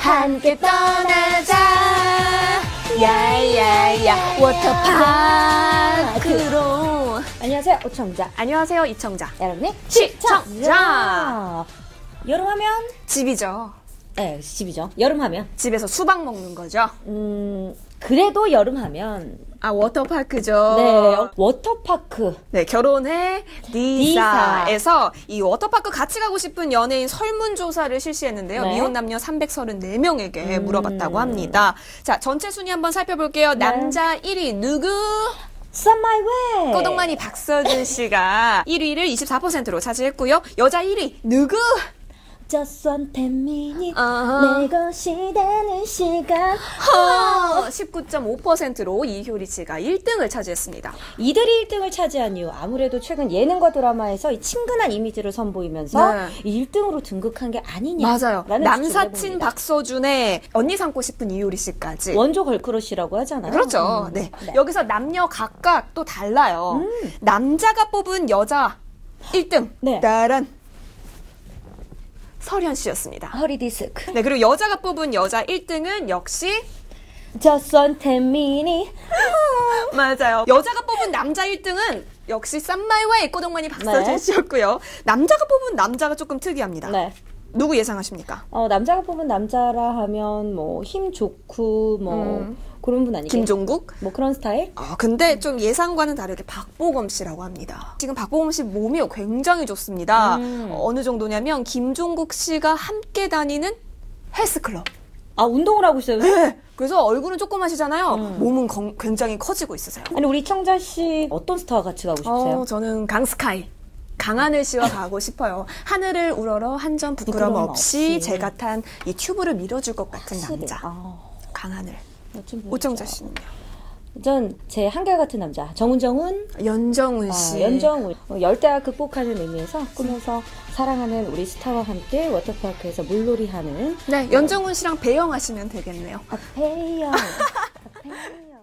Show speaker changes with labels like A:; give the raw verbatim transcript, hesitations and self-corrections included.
A: 함께 떠나자 야야야 워터파크로.
B: 안녕하세요, 오청자.
A: 안녕하세요, 이청자.
B: 여러분의
A: 시청자.
B: 여름하면
A: 집이죠.
B: 네, 집이죠. 여름하면
A: 집에서 수박 먹는 거죠.
B: 음 그래도 여름하면
A: 아, 워터파크죠.
B: 네, 워터파크.
A: 네, 결혼해 디사에서 이 워터파크 같이 가고 싶은 연예인 설문조사를 실시했는데요.
B: 네.
A: 미혼 남녀 삼백삼십사 명에게
B: 음.
A: 물어봤다고 합니다. 자, 전체 순위 한번 살펴볼게요.
B: 네.
A: 남자 일 위 누구?
B: Some My Way.
A: 꼬동만이 박서준 씨가 일 위를 이십사 퍼센트로 차지했고요. 여자 일 위 누구?
B: Just one ten minutes
A: 어허.
B: 내 것이 되는 시간.
A: 허, 십구 점 오 퍼센트로 이효리 씨가 일 등을 차지했습니다.
B: 이들이 일 등을 차지한 이유, 아무래도 최근 예능과 드라마에서 이 친근한 이미지를 선보이면서
A: 네.
B: 일 등으로 등극한 게 아니냐.
A: 맞아요.
B: 라는
A: 남사친
B: 추측을 해봅니다.
A: 박서준의 언니 삼고 싶은 이효리 씨까지.
B: 원조 걸크러쉬라고 하잖아요.
A: 그렇죠.
B: 음.
A: 네.
B: 네.
A: 여기서 남녀 각각 또 달라요.
B: 음.
A: 남자가 뽑은 여자 일 등.
B: 네.
A: 따란. 설현 씨였습니다.
B: 허리 디스크.
A: 네, 그리고 여자가 뽑은 여자 일 등은 역시
B: Just one ten minutes.
A: 맞아요. 여자가 뽑은 남자 일 등은 역시 쌈마이와의 꼬동만이 박서준
B: 네.
A: 씨였고요. 남자가 뽑은 남자가 조금 특이합니다.
B: 네.
A: 누구 예상하십니까?
B: 어, 남자가 뽑은 남자라 하면 뭐 힘 좋고 뭐
A: 음.
B: 그런 분 아니겠어요?
A: 김종국?
B: 뭐 그런 스타일?
A: 아, 근데 좀 예상과는 다르게 박보검 씨라고 합니다. 지금 박보검 씨 몸이 굉장히 좋습니다.
B: 음.
A: 어, 어느 정도냐면 김종국 씨가 함께 다니는 헬스클럽.
B: 아, 운동을 하고 있어요?
A: 네. 그래서 얼굴은 조그마시잖아요.
B: 음.
A: 몸은 건- 굉장히 커지고 있으세요.
B: 아니, 우리 청자 씨 어떤 스타와 같이 가고 싶으세요?
A: 어, 저는 강스카이. 강하늘 씨와 가고 싶어요. 하늘을 우러러 한 점 부끄럼
B: 부끄럼
A: 없이
B: 없이.
A: 제가 탄 이 튜브를 밀어줄 것 같은
B: 확실히.
A: 남자.
B: 아,
A: 강하늘.
B: 멋진 분이죠.
A: 오정자 씨는요?
B: 전 제 한결같은 남자 정은정은
A: 연정훈
B: 아,
A: 씨.
B: 연정훈 어, 열대야 극복하는 의미에서 꿈에서 사랑하는 우리 스타와 함께 워터파크에서 물놀이하는
A: 네, 연정훈 씨랑 배영하시면 되겠네요.
B: 아페이요 아페이요